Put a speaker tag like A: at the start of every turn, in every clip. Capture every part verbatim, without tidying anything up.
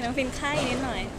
A: น้องฟินไข้นิดหน่อย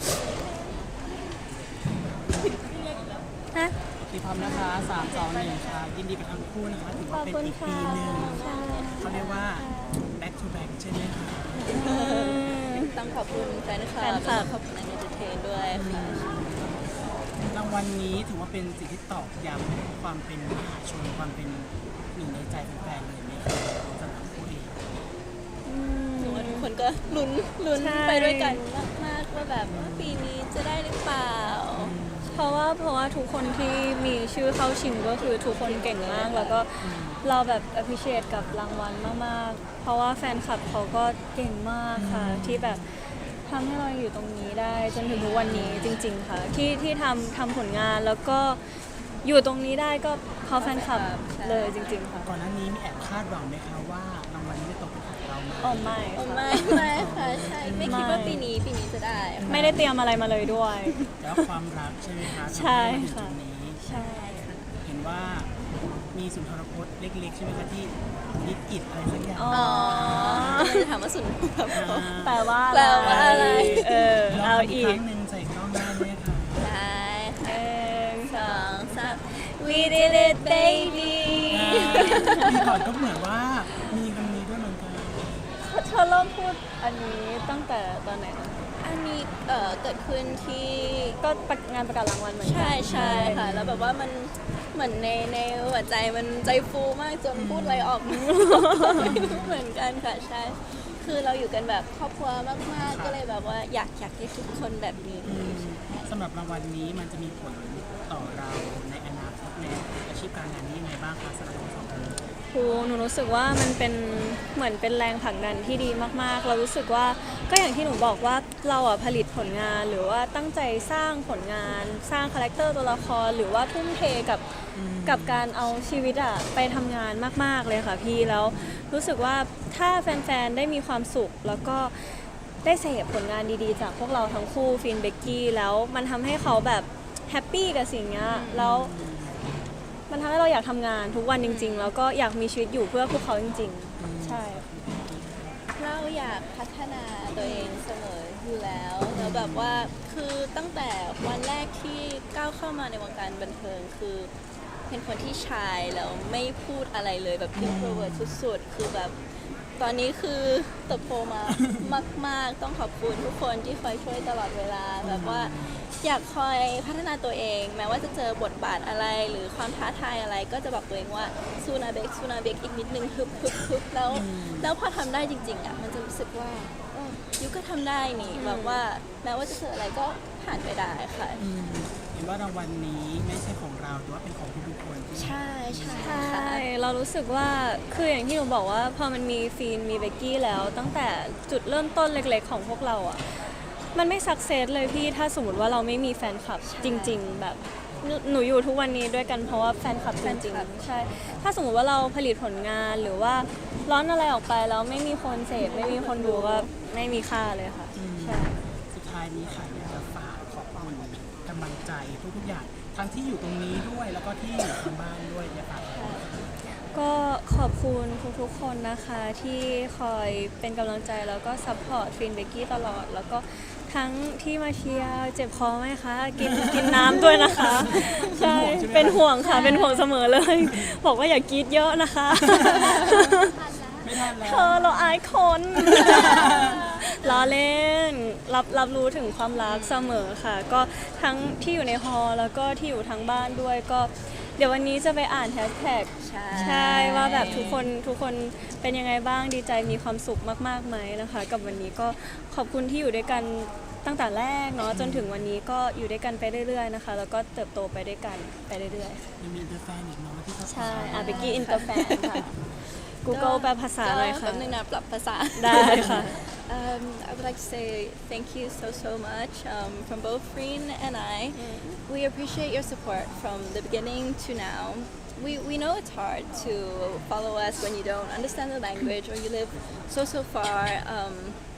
A: ฮะ
B: ตีพร้อมนะคะสามสองหนึ่งค่ะยินดีกับทั้งคู่นะคะถือว่าเป็นอีกปีหนึ่งเขาเรียกว่า back to back ใช่ไหมคะ
C: ต้องขอบคุณแฟนคลับแล้วก็ขอบคุณนักเอนเตอร์เทนด้วยค่ะ
B: รางวัลนี้ถือว่าเป็นสิ่งที่ตอกย้ำความเป็นมหาชนความเป็นหนึ่งในใจแฟนๆเลยไหมคะสำหรับคู่เอง
C: หนูว่าทุกคนก็ลุ้นลุ้นไปด้วยกันมากๆว่าแบบว่าปีนี้จะได้หรือเปล่า
A: เพราะว่าเพราะว่าทุกคนที่มีชื่อเข้าชิงก็คือทุกคนเก่งมากแล้วก็เราแบบ appreciate กับรางวัลมากๆเพราะว่าแฟนคลับเขาก็เก่งมากค่ะที่แบบทำให้เราอยู่ตรงนี้ได้จนถึงทุกวันนี้จริงๆค่ะที่ที่ทำทำผลงานแล้วก็อยู่ตรงนี้ได้ก็เพราะแฟนคลับเลยจริงๆค่ะ
B: ก่อนหน้านี้มีแอบคาดหวังไหมคะว่ารางวัลนี้จะตกเป็นของเราไหม
A: อ๋อไม่
C: อ๋อไม่ไม่ค่ะใช่ไม่คิดว่าปีนี้ปีนี้จะได้
A: ไม่ได้เตรียมอะไรมาเลยด้วย
B: แล้วความรักใช่ไหมคะ
A: ใช่ค่ะ
B: ใช่ค่ะเห็นว่ามีสุนทรพจน์เล็กๆใช่ไหมคะที่นิดอิดอะไรสักอย่าง
C: อ๋อจะถามว่าสุนทรพจน์
A: แปลว่า
C: แปลว่าอะไร
A: เออเอาอีก
B: ครั้งหนึ่งใส่กล้องได้ไหมคะ
C: ได้หนึ่งสองสาม We did it baby
B: ปีก่อนก็เหมือนว่ามีคำนี้ด้วยเหมือนกัน
A: เธอเริ่มพูดอันนี้ตั้งแต่ตอนไหนนะ
C: อันนี้เอ่อเกิดขึ้นที่
A: ก็งานประกาศรางวัลเหมือนกัน
C: ใช่ใช่ค่ะแล้วแบบว่ามันเหมือนในในหัวใจมันใจฟูมากจนพูดอะไรออกไม่รู้เหมือนกันค่ะใช่คือเราอยู่กันแบบครอบครัวมากๆก็เลยแบบว่าอยากอยากให้ทุกคนแบบนี้
B: สำหรับรางวัลนี้มันจะมีผลต่อเราในอนาคตในอาชีพการงานนี้ยังไงบ้างคะสำหรับเราสองคน
A: ครูหนูรู้สึกว่ามันเป็นเหมือนเป็นแรงผลักดันที่ดีมากๆเรารู้สึกว่าก็อย่างที่หนูบอกว่าเราอ่ะผลิตผลงานหรือว่าตั้งใจสร้างผลงานสร้างคาแรคเตอร์ตัวละครหรือว่าทุ่มเทกับกับการเอาชีวิตอ่ะไปทำงานมากๆเลยค่ะพี่แล้วรู้สึกว่าถ้าแฟนๆได้มีความสุขแล้วก็ได้เสพผลงานดีๆจากพวกเราทั้งคู่ฟินเบกกี้แล้วมันทำให้เขาแบบแฮปปี้กับสิ่งนี้แล้วมันทำให้เราอยากทำงานทุกวันจริงๆแล้วก็อยากมีชีวิตอยู่เพื่อพวกเขาจริงๆใช่
C: เราอยากพัฒนาตัวเองเสมออยู่แล้วแล้วแบบว่าคือตั้งแต่วันแรกที่ก้าวเข้ามาในวงการบันเทิงคือเป็นคนที่ชายแล้วไม่พูดอะไรเลยแบบ introvert สุดๆคือแบบตอนนี้คือเติบโตมามากๆต้องขอบคุณทุกคนที่คอยช่วยตลอดเวลาแบบว่าอยากคอยพัฒนาตัวเองแม้ว่าจะเจอบทบาทอะไรหรือความท้าทายอะไรก็จะบอกตัวเองว่าซูนาเบกซูนาเบกอีกนิดนึงฮึบฮึบฮึบแล้วแล้วพอทำได้จริงๆอ่ะมันจะรู้สึกว่ายูก็ทำได้นี่แบบว่าแม้ว่าจะเจออะไรก็ผ่านไปได้ค่ะ
B: เห็นว่ารางวัลนี้ไม่ใช่ของเราแต่ว่าเป็นของทุกคน
C: ใช่ใช่
A: ใช่เรารู้สึกว่าคืออย่างที่หนูบอกว่าพอมันมีฟีนมีเบกกี้แล้วตั้งแต่จุดเริ่มต้นเล็กๆของพวกเราอ่ะมันไม่สักเซสเลยพี่ถ้าสมมติว่าเราไม่มีแฟนคลับจริงๆแบบหนูอยู่ทุกวันนี้ด้วยกันเพราะว่าแฟนคลับจริงๆใช่ถ้าสมมติว่าเราผลิตผลงานหรือว่าร้อนอะไรออกไปแล้วไม่มีคนเสพไม่มีคนดูก็ไม่มีค่าเลยค่ะใช่
B: สุดท้ายนี้ค่ะอยากจะฝากขอบคุณกำลังใจทุกๆอย่างทั้งที่อยู่ตรงนี้ด้วยแล้วก็ที่อยู่ทางบ้านด้วยอยากฝาก
A: ก็ขอบคุณทุกๆคนนะคะที่คอยเป็นกำลังใจแล้วก็ซัพพอร์ตฟินเบกกี้ตลอดแล้วก็ทั้งที่มาเชียร์เจ็บคอไหมคะกินกินน้ำด้วยนะคะใช่เป็นห่วงค่ะเป็นห่วงเสมอเลยบอกว่าอย่ากรีดเยอะนะคะ
B: ไม่ทันแล้ว
A: เธอเราอายคนล้อเล่นรับรับรู้ถึงความรักเสมอค่ะก็ทั้งที่อยู่ในฮอลแล้วก็ที่อยู่ทั้งบ้านด้วยก็เดี๋ยววันนี้จะไปอ่านแฮชแท็กใช่ว่าแบบทุกคนทุกคนเป็นยังไงบ้างดีใจมีความสุขมากๆไหมนะคะกับวันนี้ก็ขอบคุณที่อยู่ด้วยกันตั้งแต่แรกเนาะจนถึงวันนี้ก็อยู่ด้วยกันไปเรื่อยๆนะคะแล้วก็เติบโตไปด้วยกันไปเรื่อย
B: ๆมีอินเตอร์แฟนอีกเนาะที่เขา
A: ใช่อ่ะเบกกี้อินเตอร์แฟนค่ะ Google แปลภาษาเลยค่ะ
C: แป๊บนึงนะปรับภาษา
A: ได้ค่ะ
C: Um, I would like to say thank you so so much um, from both Freen and I. Mm-hmm. We appreciate your support from the beginning to now. We we know it's hard to follow us when you don't understand the language or you live so so far. Um,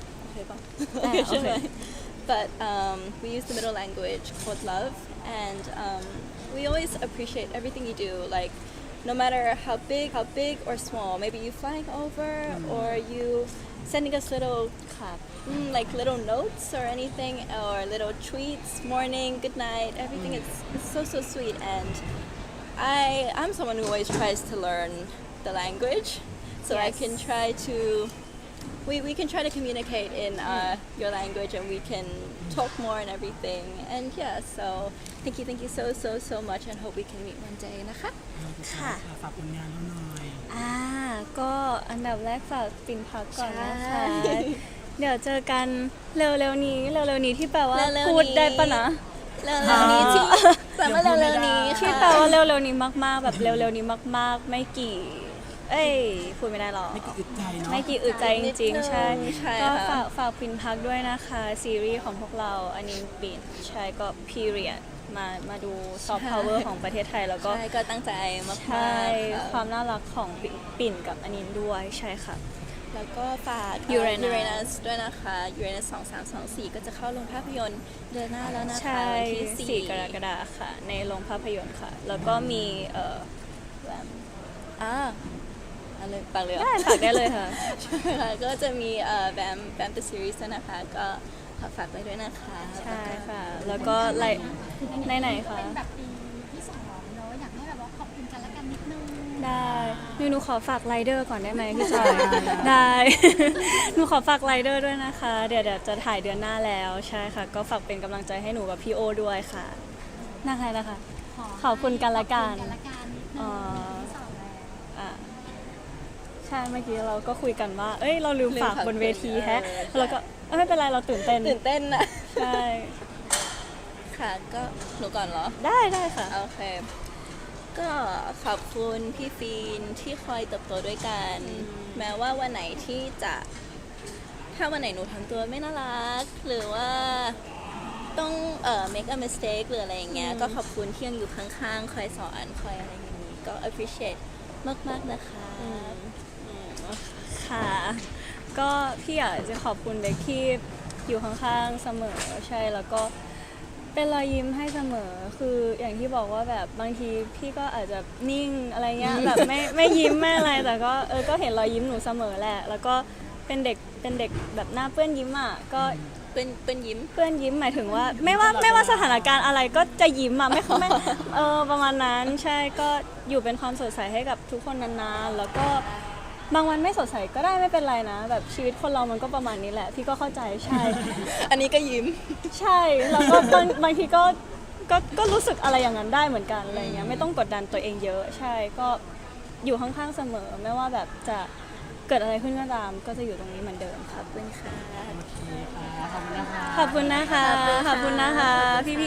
C: okay, okay. But um, we use the middle language called love, and um, we always appreciate everything you do. Like no matter how big how big or small, maybe you flying over or you sending us little
A: ค่ะ
C: mm, like little notes or anything or little tweets, morning, good night, everything is it's so so sweet. And I I'm someone who always tries to learn the language, so I
A: Yes.
C: can try to we, we can try to communicate in uh, your language and we can talk more and everything. And yeah, so thank you thank you so so so much and hope we can meet one day นะคะ
A: ค่ะ
B: ฝากผลงานเราหน่อย
A: อ่าก็อันดับแรกฝากปิ่นพักก่อนนะคะ
C: ใช่
A: เดี๋ยวเจอกันเร็วๆนี้เร็วๆนี้ที่แปลว่า
C: เร็วๆนี้
A: พูดได้ปะนะ
C: เร็วๆนี้ที่แปลว่าเร็วๆนี้
A: ที่
C: ค่ะ
A: แปลว่าเร็วๆนี้มากๆ แบบเร็วๆนี้มากๆ ไม่กี่ เอ้ยพูดไม่ได้หรอก
B: ไม่กี่อึดใจเนาะ
A: ไม่กี่อึดใจจริงๆ ใช่
C: ใช่
A: ก็
C: ค่ะ
A: ฝากฝากปิ่นพักด้วยนะคะ ซีรีส์ของพวกเราอันนี้ปิ่นใช่ก็ period มามาดูซอฟต์พาวเวอร์ของประเทศไทยแล้วก็
C: ใช่ก็ตั้งใจมากๆ
A: ใช่
C: ค่ะ
A: ความน่ารักของปิ่นปิ่นกับอันนี้ด้วยใช่ค่ะ
C: แล้วก็ฝาก
A: Uranus
C: ยูเรนัสด้วยนะคะ ยูเรนัสสองสามสองสี่ก็จะเข้าโรงภาพยนตร์เดือนหน้าแล้วนะคะ
A: ใช่
C: วันที่สี่
A: สี่กรกฎาคมค่ะ ในโรงภาพยนตร์ค่ะ แล้วก็มีเอ่อ
C: อ่าอะไรปากเลยเหรอ
A: ได้ฝากได้เลยค่ะ
C: ใช่ค่ะก็จะมีเอ่อแบมแบมเดอะซีรีส์นะคะ ก็ขอฝากไว้ด้วยนะคะ
A: ใช่ค่ะ แล้วก็ไลในไหนๆคะ
D: เป็นแบบปีที่สองเนอะอยากให้แบบว่าขอบคุณกันและกันนิดนึง
A: ได้หนูหนูขอฝากไรเดอร์ก่อนได้ไหมพี่จอย ได้ หนูขอฝากไรเดอร์ด้วยนะคะ เดี๋ยวเดี๋ยวจะถ่ายเดือนหน้าแล้วใช่ค่ะ ก็ฝากเป็นกำลังใจให้หนูกับพี่โอด้วยค่ะนะคะนะคะ ขอบคุณกันละกัน
D: ขอบคุณกันละกันนิดนึ
A: อ๋
D: ง
A: อ
D: ที่สองแล้ว
A: อ่ะใช่เมื่อกี้เราก็คุยกันว่า เอ้ยเราลืมฝากบนเวทีแฮะแล้วก็เอ้ยไม่เป็นไรเราตื่นเต้น
C: ตื่นเต้นนะ
A: ใช่
C: ค่ะก็หนูก่อนเหรอ
A: ได้ได้ค่ะ
C: โอเค ก็ขอบคุณพี่ฟีนที่คอยเติบโตด้วยกัน แม้ว่าวันไหนที่จะ ถ้าวันไหนหนูทำตัวไม่น่ารัก หรือว่าต้องเอ่อ make a mistake หรืออะไรอย่างเงี้ย ก็ขอบคุณที่ยังอยู่ข้างๆ คอยสอนคอยอะไรอย่างนี้ ก็ appreciate มากๆนะคะ
A: ค่ะ ก็พี่อยากจะขอบคุณเด็กที่อยู่ข้างๆเสมอใช่แล้วก็เป็นรอยยิ้มให้เสมอคืออย่างที่บอกว่าแบบบางทีพี่ก็อาจจะนิ่งอะไรเงี้ยแบบไม่ไม่ยิ้มไม่อะไรแต่ก็เออก็เห็นรอยยิ้มหนูเสมอแหละ แล้วก็เป็นเด็กเป็นเด็กแบบหน้าเปื้อนยิ้มอ่ะก็
C: เป็นเป็นยิ้ม
A: เปื้อนยิ้มหมายถึงว่า ไม่ว่าไม่ว่าสถานการณ์อะไรก็จะยิ้มอ่ะไม่ไม่เออประมาณนั้นใช่ก็อยู่เป็นความสดใสให้กับทุกคนนานๆแล้วก็บางวันไม่สดใสก็ได้ไม่เป็นไรนะ แบบชีวิตคนเรามันก็ประมาณนี้แหละ พี่ก็เข้าใจใช่
C: อันนี้ก็ยิ้ม
A: ใช่แล้วก็บางบางทีก็ก็ก็รู้สึกอะไรอย่างนั้นได้เหมือนกันอะไรเงี้ยไม่ต้องกดดันตัวเองเยอะ ใช่ก็อยู่ข้างๆเสมอ ไม่ว่าแบบจะเกิดอะไรขึ้นก็ตาม ก็จะอยู่ตรงนี้เหมือนเดิมครับ
C: ขอบคุณค่ะ
B: โอเคค่ะ ขอบคุณนะคะ
A: ขอบคุณนะคะ ขอบคุณนะคะพี่